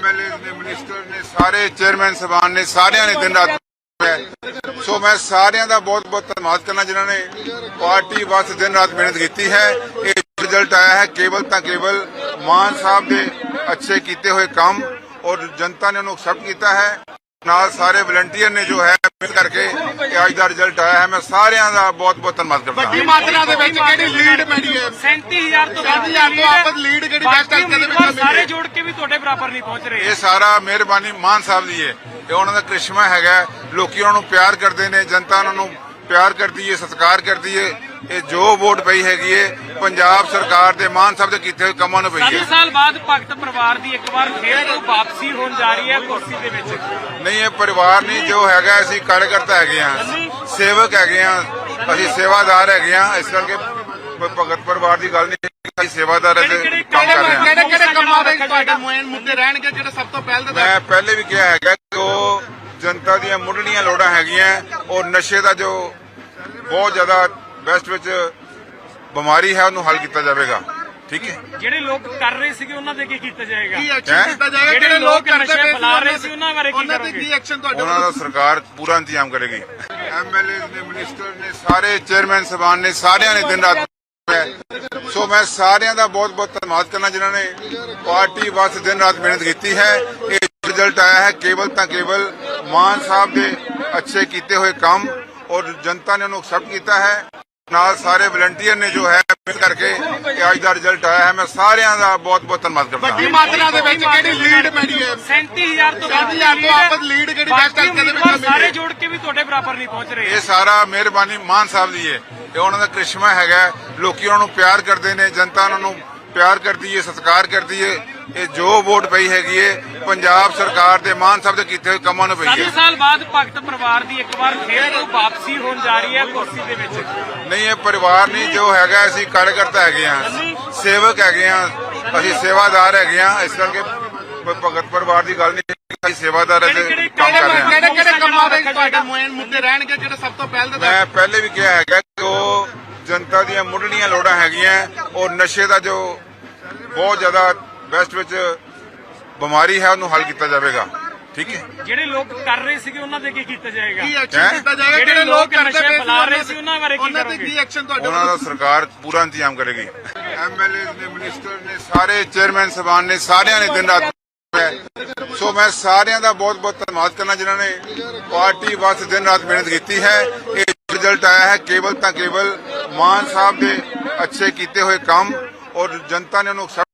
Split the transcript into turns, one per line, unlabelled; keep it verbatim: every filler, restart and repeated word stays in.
MLA ने minister ने सारे चेयरमैन साहबान ने सारिਆਂ ने दिन रात सो मैं सारिਆਂ ਦਾ बहुत बहुत धन्यवाद करना जिन्होंने पार्टी वास्ते दिन रात मेहनत की है। ये रिजल्ट आया है केवल तो केवल मान साहब के अच्छे किए हुए काम और जनता ने उन्होंने एक्सेप्ट किया है। नाल सारे वलंटियर ने जो है मिल करके आज का रिजल्ट आया है। मैं सारिਆਂ ਦਾ बहुत बहुत धन्यवाद करता
ਵੱਡੀ ਮਾਤਰਾ ਦੇ ਵਿੱਚ ਕਿਹੜੀ ਲੀਡ ਮਿਲੀ ਹੈ?
सैंती हजार तो
ਸੈਂਤੀ ਹਜ਼ਾਰ ਤੋਂ ਆਪਸ ਲੀਡ ਕਿਹੜੀ ਬੈਸਟ ਹਲਕੇ ਦੇ ਵਿੱਚ ਮਿਲੀ
ਸਾਰੇ
ਹੈ?
ਜੋੜ ਕੇ ਵੀ ਤੁਹਾਡੇ ਬਰਾਬਰ ਨਹੀਂ ਪਹੁੰਚ ਰਹੇ।
ਇਹ ਸਾਰਾ ਮਿਹਰਬਾਨੀ ਮਾਨ ਸਾਹਿਬ ਦੀ ਹੈ। ਇਹ ਉਹਨਾਂ ਦਾ ਕ੍ਰਿਸ਼ਮਾ ਹੈਗਾ। ਲੋਕੀ ਉਹਨਾਂ ਨੂੰ ਪਿਆਰ ਕਰਦੇ ਨੇ, ਜਨਤਾ ਉਹਨਾਂ ਨੂੰ ਪਿਆਰ ਕਰਦੀ ਹੈ, ਸਤਿਕਾਰ ਕਰਦੀ ਹੈ। ਇਹ ਜੋ ਵੋਟ ਪਈ ਹੈਗੀ ਹੈ ਪੰਜਾਬ ਸਰਕਾਰ ਦੇ ਮਾਨ ਸਾਹਿਬ ਦੇ ਕੀਤੇ ਹੋਏ ਕੰਮਾਂ ਨੂੰ ਪਈ
ਸੱਤ
ਹੈ।
ਸਾਲ ਬਾਅਦ ਭਗਤ ਪਰਿਵਾਰ ਦੀ ਇੱਕ ਵਾਰ ਫੇਰ ਤੋਂ ਵਾਪਸੀ ਹੋਣ ਜਾ ਰਹੀ ਹੈ ਕੁਰਸੀ ਦੇ ਵਿੱਚ।
ਨਹੀਂ ਇਹ ਪਰਿਵਾਰ ਨਹੀਂ, ਜੋ ਹੈਗਾ ਅਸੀਂ ਕਾਰਜਕਰਤਾ ਹੈਗੇ ਆ, ਸੇਵਕ ਹੈਗੇ ਆ, ਅਸੀਂ ਸੇਵਾਦਾਰ ਹੈਗੇ ਆ। ਇਸ ਕਰਕੇ ਕੋਈ ਭਗਤ ਪਰਿਵਾਰ ਦੀ ਗੱਲ ਨਹੀਂ, ਅਸੀਂ ਸੇਵਾਦਾਰ ਅਤੇ ਕੰਮ ਕਰ ਰਹੇ ਹਾਂ।
ਕਿਹੜੇ ਕਿਹੜੇ ਕੰਮਾਂ ਦੇ ਤੁਹਾਡੇ ਮੁਹਿੰਮ ਮੁੱਦੇ ਰਹਿਣਗੇ ਜਿਹੜੇ ਸਭ ਤੋਂ ਪਹਿਲ ਦੇ
ਮੈਂ ਪਹਿਲੇ ਵੀ ਕਿਹਾ ਹੈਗਾ ਕਿ ਉਹ ਜਨਤਾ ਦੀਆਂ ਮੁੱਢਲੀਆਂ ਲੋੜਾਂ ਹੈਗੀਆਂ ਔਰ ਨਸ਼ੇ ਦਾ ਜੋ ਬਹੁਤ ਜ਼ਿਆਦਾ ਵੈਸਟ ਵਿੱਚ ਬਿਮਾਰੀ ਹੈ ਉਹਨੂੰ ਹੱਲ ਕੀਤਾ ਜਾਵੇਗਾ। ਠੀਕ ਹੈ,
ਜਿਹੜੇ ਲੋਕ ਕਰ ਰਹੇ ਸੀਗੇ ਉਹਨਾਂ ਦੇ ਕੀ ਕੀਤਾ ਜਾਏਗਾ?
ਕੀ ਐਕਸ਼ਨ ਕੀਤਾ ਜਾਏਗਾ?
ਜਿਹੜੇ
ਜਿਹੜੇ ਲੋਕ ਕਰਦੇ
ਨਸ਼ੇ
ਪਏ
ਫੈਲਾ ਰਹੇ ਸੀ ਉਹਨਾਂ ਬਾਰੇ ਕੀ
ਉਹਨਾਂ ਤੇ
ਕਰੋਗੇ?
ਕੀ ਐਕਸ਼ਨ ਤੁਹਾਡੇ
ਉਹਨਾਂ ਦਾ ਸਰਕਾਰ ਪੂਰਾ ਇੰਤਜ਼ਾਮ ਕਰੇਗੀ। ਐਮਐਲਏ ਨੇ ਮਿਨਿਸਟਰ ਨੇ ਸਾਰੇ ਚੇਅਰਮੈਨ ਸਾਹਿਬਾਨ ਨੇ ਸਾਰਿਆਂ ਨੇ ਦਿਨ ਰਾਤ ਸੋ ਮੈਂ ਸਾਰਿਆਂ ਦਾ ਬਹੁਤ ਬਹੁਤ ਧੰਨਵਾਦ ਕਰਨਾ ਜਿਨ੍ਹਾਂ ਨੇ ਪਾਰਟੀ ਵਾਸਤੇ ਦਿਨ ਰਾਤ ਮਿਹਨਤ ਕੀਤੀ ਹੈ। ਇਹ ਰਿਜ਼ਲਟ ਆਇਆ ਹੈ ਕੇਵਲ ਤਾਂ ਕੇਵਲ ਮਾਨ ਸਾਹਿਬ ਦੇ ਅੱਛੇ ਕੀਤੇ ਹੋਏ ਕੰਮ ਔਰ ਜਨਤਾ ਨੇ ਉਹਨੂੰ ਐਕਸੈਪਟ ਕੀਤਾ ਹੈ। ਨਾਲ ਸਾਰੇ ਵਲੰਟੀਅਰ ਨੇ ਜੋ ਹੈ ਮਿਲ ਕਰਕੇ ਅੱਜ ਦਾ ਰਿਜ਼ਲਟ ਆਇਆ ਹੈ। ਮੈਂ ਸਾਰਿਆਂ ਦਾ ਬਹੁਤ ਬਹੁਤ ਧੰਨਵਾਦ ਕਰਦਾ
ਵੱਡੀ
ਹਾਂ।
ਮਾਤਰਾ ਦੇ ਵਿੱਚ ਕਿਹੜੀ ਲੀਡ ਮਿਲੀ ਹੈ?
ਸੈਂਤੀ ਹਜ਼ਾਰ ਤੋਂ
ਸੈਂਤੀ ਹਜ਼ਾਰ ਤੋਂ ਆਪਸ ਲੀਡ ਕਿਹੜੀ ਬੈਸਟ ਹਲਕੇ ਦੇ ਵਿੱਚ ਮਿਲੀ
ਸਾਰੇ
ਹੈ?
ਜੋੜ ਕੇ ਵੀ ਤੁਹਾਡੇ ਬਰਾਬਰ ਨਹੀਂ ਪਹੁੰਚ ਰਹੇ।
ਇਹ ਸਾਰਾ ਮਿਹਰਬਾਨੀ ਮਾਨ ਸਾਹਿਬ ਦੀ ਹੈ। ਇਹ ਉਹਨਾਂ ਦਾ ਕ੍ਰਿਸ਼ਮਾ ਹੈਗਾ। ਲੋਕੀ ਉਹਨਾਂ ਨੂੰ ਪਿਆਰ ਕਰਦੇ ਨੇ, ਜਨਤਾ ਉਹਨਾਂ ਨੂੰ ਪਿਆਰ ਕਰਦੀ ਹੈ, ਸਤਿਕਾਰ ਕਰਦੀ ਹੈ। ਇਹ ਜੋ ਵੋਟ ਪਈ ਹੈਗੀ ਹੈ ਪੰਜਾਬ ਸਰਕਾਰ ਦੇ ਮਾਨ ਸਾਹਿਬ ਦੇ ਕੀਤੇ ਹੋਏ ਕੰਮਾਂ ਨੂੰ ਪਈ ਹੈ।
ਸੱਤ ਸਾਲ ਬਾਅਦ ਭਗਤ ਪਰਿਵਾਰ ਦੀ ਇੱਕ ਵਾਰ ਫੇਰ ਤੋਂ ਵਾਪਸੀ ਹੋਣ ਜਾ ਰਹੀ ਹੈ ਕੁਰਸੀ ਦੇ ਵਿੱਚ।
ਨਹੀਂ ਇਹ ਪਰਿਵਾਰ ਨਹੀਂ, ਜੋ ਹੈਗਾ ਅਸੀਂ ਕਾਰਜਕਰਤਾ ਹੈਗੇ ਆ, ਸੇਵਕ ਹੈਗੇ ਆ, ਅਸੀਂ ਸੇਵਾਦਾਰ ਹੈਗੇ ਆ। ਇਸ ਕਰਕੇ ਕੋਈ ਭਗਤ ਪਰਿਵਾਰ ਦੀ ਗੱਲ ਨਹੀਂ, ਅਸੀਂ ਸੇਵਾਦਾਰ ਅਤੇ ਕੰਮ ਕਰ ਰਹੇ ਹਾਂ।
ਕਿਹੜੇ ਕਿਹੜੇ ਕੰਮਾਂ ਦੇ ਤੁਹਾਡੇ ਮੁਹਿੰਮ ਮੁੱਦੇ ਰਹਿਣਗੇ ਜਿਹੜੇ ਸਭ ਤੋਂ ਪਹਿਲ ਦੇ
ਮੈਂ ਪਹਿਲੇ ਵੀ ਕਿਹਾ ਹੈਗਾ ਕਿ ਉਹ ਜਨਤਾ ਦੀਆਂ ਮੁੱਢਲੀਆਂ ਲੋੜਾਂ ਹੈਗੀਆਂ ਔਰ ਨਸ਼ੇ ਦਾ ਜੋ ਬਹੁਤ ਜ਼ਿਆਦਾ ਵੈਸਟ ਵਿੱਚ ਬਿਮਾਰੀ ਹੈ ਉਹਨੂੰ ਹੱਲ ਕੀਤਾ ਜਾਵੇਗਾ। ਠੀਕ ਹੈ,
ਜਿਹੜੇ ਲੋਕ ਕਰ ਰਹੇ ਸੀਗੇ ਉਹਨਾਂ ਦੇ ਕੀ ਕੀਤਾ ਜਾਏਗਾ?
ਕੀ ਐਕਸ਼ਨ ਕੀਤਾ ਜਾਏਗਾ?
ਜਿਹੜੇ
ਜਿਹੜੇ ਲੋਕ
ਲੋਕ
ਕਰਦੇ
ਨਸ਼ੇ
ਪਏ
ਫੈਲਾ ਰਹੇ ਸੀ ਉਹਨਾਂ ਬਾਰੇ ਕੀ
ਉਹਨਾਂ ਤੇ
ਕਰੋਗੇ?
ਕੀ ਐਕਸ਼ਨ ਤੁਹਾਡੇ
ਉਹਨਾਂ ਦਾ ਸਰਕਾਰ ਪੂਰਾ ਇੰਤਜ਼ਾਮ ਕਰੇਗੀ। ਐਮਐਲਏ ਨੇ ਮਿਨਿਸਟਰ ਨੇ ਸਾਰੇ ਚੇਅਰਮੈਨ ਸਾਹਿਬਾਨ ਨੇ ਸਾਰਿਆਂ ਨੇ ਦਿਨ ਰਾਤ ਸੋ ਮੈਂ ਸਾਰਿਆਂ ਦਾ ਬਹੁਤ ਬਹੁਤ ਧੰਨਵਾਦ ਕਰਨਾ ਜਿਨ੍ਹਾਂ ਨੇ ਪਾਰਟੀ ਵਾਸਤੇ ਦਿਨ ਰਾਤ ਮਿਹਨਤ ਕੀਤੀ ਹੈ। ਇਹ ਰਿਜ਼ਲਟ ਆਇਆ ਹੈ ਕੇਵਲ ਤਾਂ ਕੇਵਲ ਮਾਨ ਸਾਹਿਬ ਦੇ ਅੱਛੇ ਕੀਤੇ ਹੋਏ ਕੰਮ ਔਰ ਜਨਤਾ ਨੇ ਉਹਨੂੰ